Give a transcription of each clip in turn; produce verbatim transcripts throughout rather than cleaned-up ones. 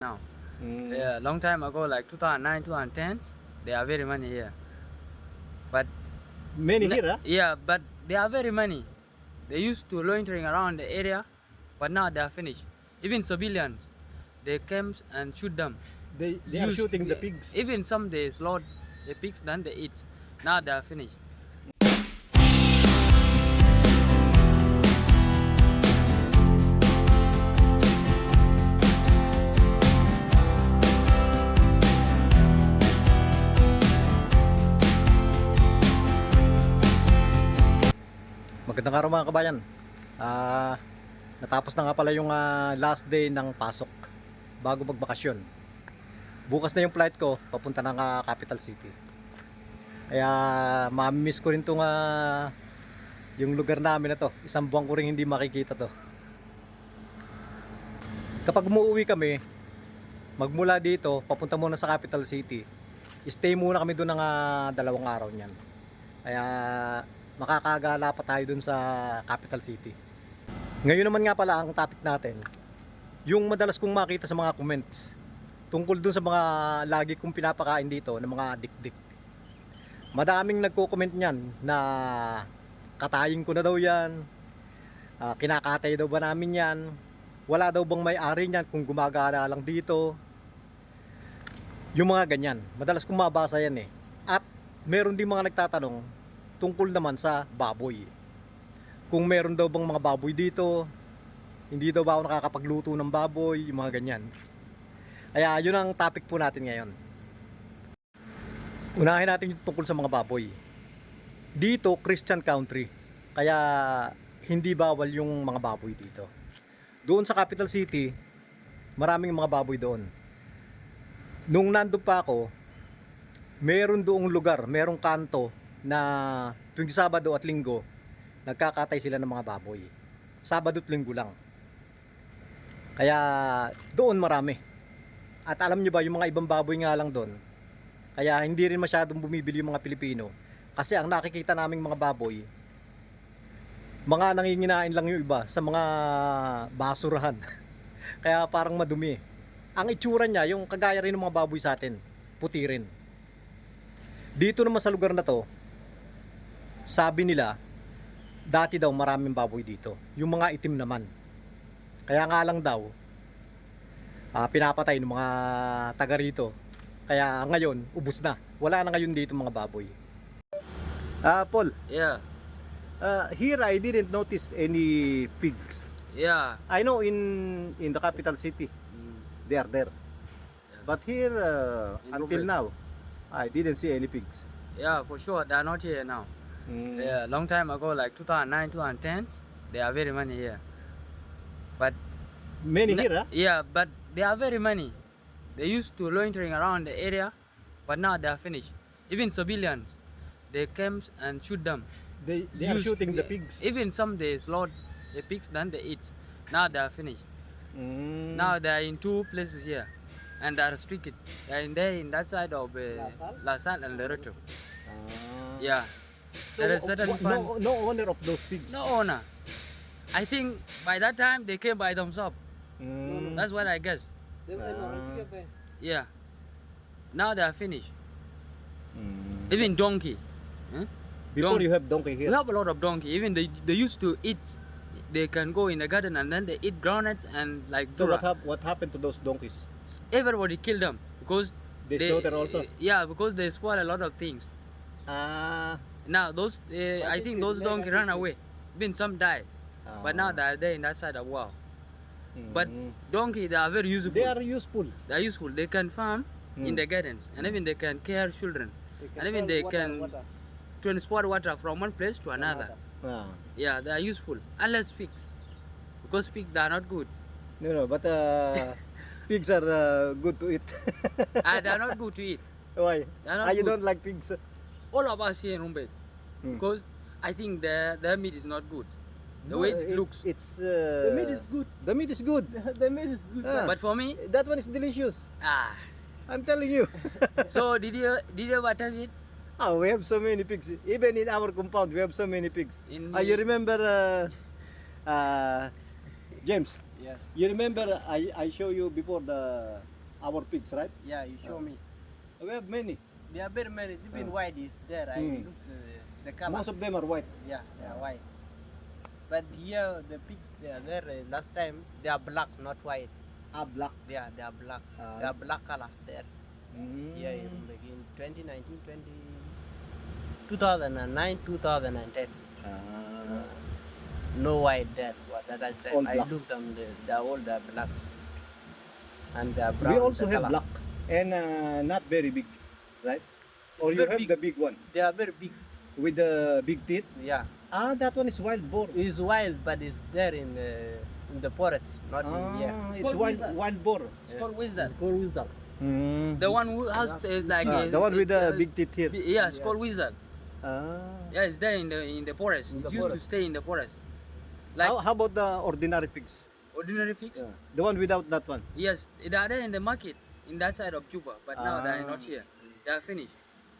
now. Mm. Yeah, long time ago, like two thousand nine, two thousand tens, they are very many here. But Many ne- here, huh? yeah, but they are very many. They used to loitering around the area, but now they are finished. Even civilians, they came and shoot them. They, they are Used- shooting the pigs. Even some they slaughter the pigs, then they eat. Now they are finished. Magandang araw mga kabayan. Ah, natapos na nga pala yung ah, last day ng pasok bago magbakasyon. Bukas na yung flight ko papunta ng ah, capital city. Kaya mamimiss ko rin tong ah, yung lugar namin na to. Isang buwan ko rin hindi makikita to. Kapag umuwi kami, magmula dito papunta muna sa capital city. Stay muna kami doon ng ah, dalawang araw niyan. Kaya makakagala pa tayo dun sa capital city. Ngayon naman nga pala ang topic natin, yung madalas kong makita sa mga comments tungkol dun sa mga lagi kong pinapakain dito ng mga dikdik. Madaming nagko-comment niyan na katayin ko na daw yan, uh, kinakatay daw ba namin yan, wala daw bang may-ari niyan kung gumagala lang dito. Yung mga ganyan, madalas kong mabasa yan eh. At meron din mga nagtatanong tungkol naman sa baboy. Kung meron daw bang mga baboy dito, hindi daw ba ako nakakapagluto ng baboy, yung mga ganyan. Kaya yun ang topic po natin ngayon. Unahin natin yung tungkol sa mga baboy. Dito, Christian country. Kaya hindi bawal yung mga baboy dito. Doon sa capital city, maraming mga baboy doon. Nung nandun pa ako, meron doong lugar, merong kanto na tuwing Sabado at Linggo nagkakatay sila ng mga baboy. Sabado at Linggo lang. Kaya doon marami. At alam nyo ba, yung mga ibang baboy nga lang doon, kaya hindi rin masyadong bumibili yung mga Pilipino. Kasi ang nakikita naming mga baboy, mga nanginginain lang yung iba sa mga basurahan. Kaya parang madumi. Ang itsura niya, yung kagaya rin ng mga baboy sa atin, puti rin. Dito naman sa lugar na to, sabi nila, dati daw maraming baboy dito. Yung mga itim naman. Kaya nga lang daw, uh, pinapatay ng mga taga rito. Kaya ngayon, ubos na. Wala na ngayon dito mga baboy. Ah, uh, Paul. Yeah, Uh, here I didn't notice any pigs. yeah. I know in in the capital city, Mm. they are there. But here, uh, In until Rumbek. now, I didn't see any pigs. Yeah, for sure. They are not here now. Mm. Yeah, long time ago, like two thousand nine, two thousand tens, they are very many here. But Many ne- here, huh? yeah, but they are very many. They used to loitering around the area, but now they are finished. Even civilians, they came and shoot them. They, they are Used- shooting the pigs. Even some they slaughter the pigs, then they eat. Now they are finished. Mm. Now they are in two places here, and they are restricted. They are in there in that side of uh, Lasal? Lasal and Loreto. Ah. Yeah, So, there is certain wha- no, fun- no owner of those pigs. no owner. I think by that time they came by themselves. Mm. That's what I guess. Ah. Yeah. Now they are finished. Mm. Even donkey. Huh? Before Don- you have donkey We here. have a lot of donkey. Even they they used to eat. They can go in the garden and then they eat groundnuts and like So what, dhurra. hap- what happened to those donkeys? Everybody kill them because They slaughter also? Yeah, because they spoil a lot of things. Ah. Now those uh, I think those donkey run away. Even some died, but now they are there in that side of wow. But Mm. donkey they are very useful. They are useful. They are useful. They can farm in Mm. the gardens and even they can care children and even they can transport water from one place to another. Ah. Yeah, they are useful. Unless pigs, because pigs they are not good. No, no, but uh, pigs are uh, good to eat. Ah, they are not good to eat. Why? They are not Ah, you good. don't like pigs? All of us here in Rumbek, Hmm. because I think their their meat is not good. The way it, looks. It's uh, The meat is good. The meat is good. The meat is good. Ah. But for me, That one is delicious. ah. I'm telling you. So did you did you ever touch it? Ah, we have so many pigs. Even in our compound, we have so many pigs. In Ah, you the- remember, uh, uh, James? Yes. You remember I I show you before the our pigs, right? Yeah, you show me. We have many. There are very many. Even Uh. white is there. I Mm. look uh, the color. Most of them are white. Yeah, they are white. But here the pigs they are there. Uh, last time they are black, not white. Ah, black. They are they are black. Ah. They are black color there. Mm. Yeah, in, in twenty nineteen, twenty, two thousand nine, two thousand ten. Ah. No white there. What that I said. All I black. looked them. They, they are all the blacks. And they are We brown. also the have color. black and uh, not very big, right? Or It's you very have big. the big one They are very big. with the big teeth. Yeah. Ah, that one is wild boar. It's wild, but it's there in the in the forest, not in here. Ah, It's it's called wild lizard. wild boar. It's called wisdom. called wizard. Mm. The one who has is like Ah, uh, the one with the uh, big teeth here. Yeah, it's called wizard. Ah. Yeah, it's there in the in the forest. In It the used to forest. stay in the forest. Like how, how about the ordinary pigs? ordinary figs. Yeah. The one without that one. Yes, they are there in the market in that side of Juba, but now they are not Ah. here. They are finished.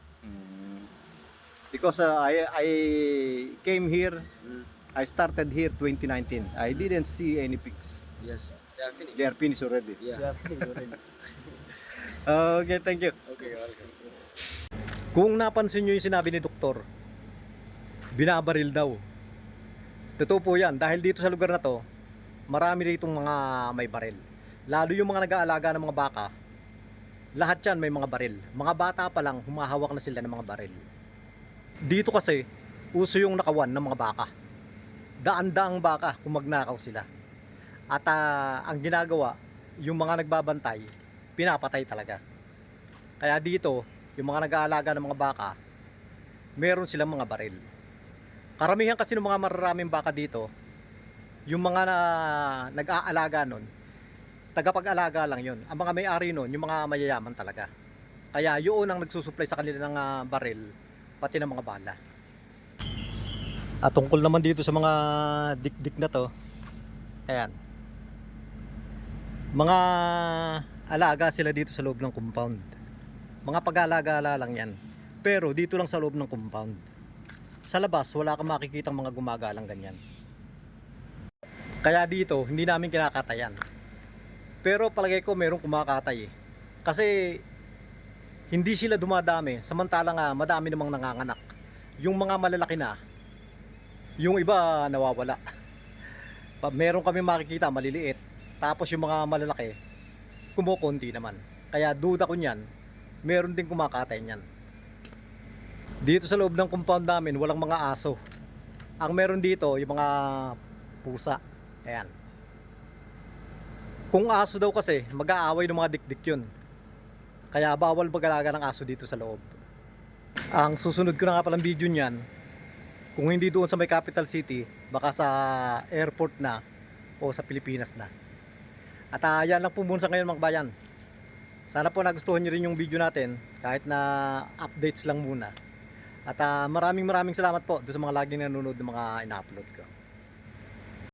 Because uh, I I came here, Mm. I started here twenty nineteen. I didn't see any pigs. Yes, they are finished. They are finished already. Yeah. They are finished already. Okay, thank you. Okay, welcome. Kung napansin nyo yung sinabi ni Doktor, binabaril daw. Totoo po yan. Dahil dito sa lugar na to, marami ditong mga may baril. Lalo yung mga nag-aalaga ng mga baka, lahat yan may mga baril. Mga bata pa lang, humahawak na sila ng mga baril. Dito kasi, uso yung nakawan ng mga baka. Daan-daang baka kung magnakaw sila. At ah, ang ginagawa, yung mga nagbabantay, pinapatay talaga. Kaya dito, yung mga nag-aalaga ng mga baka, meron silang mga baril. Karamihan kasi ng mga mararaming baka dito, yung mga na, nag-aalaga nun, tagapag-alaga lang yun. Ang mga may-ari nun, yung mga mayayaman talaga. Kaya yun ang nagsusupply sa kanila ng ah, baril, pati ng mga bala. At tungkol naman dito sa mga dik-dik na to, ayan. Mga alaga sila dito sa loob ng compound. Mga pag-alaga lang yan. Pero dito lang sa loob ng compound. Sa labas, wala kang makikitang mga gumagalang ganyan. Kaya dito, hindi namin kinakatayan. Pero palagay ko merong kumakatay eh. Kasi hindi sila dumadami, samantalang nga madami namang nanganganak. Yung mga malalaki na, yung iba nawawala. Pa- Meron kami makikita maliliit. Tapos yung mga malalaki, kumukunti naman. Kaya duda ko niyan, meron din kumakatay niyan. Dito sa loob ng compound namin, walang mga aso. Ang meron dito, yung mga pusa. Ayan. Kung aso daw kasi, mag-aaway ng mga dikdik yun. Kaya bawal mag-alaga ng aso dito sa loob. Ang susunod ko na nga palang video niyan, kung hindi doon sa may capital city, baka sa airport na o sa Pilipinas na. At uh, yan lang po muna sa ngayon mga bayan. Sana po nagustuhan nyo rin yung video natin, kahit na updates lang muna. At uh, maraming maraming salamat po doon sa mga laging nanonood ng mga ina-upload ko.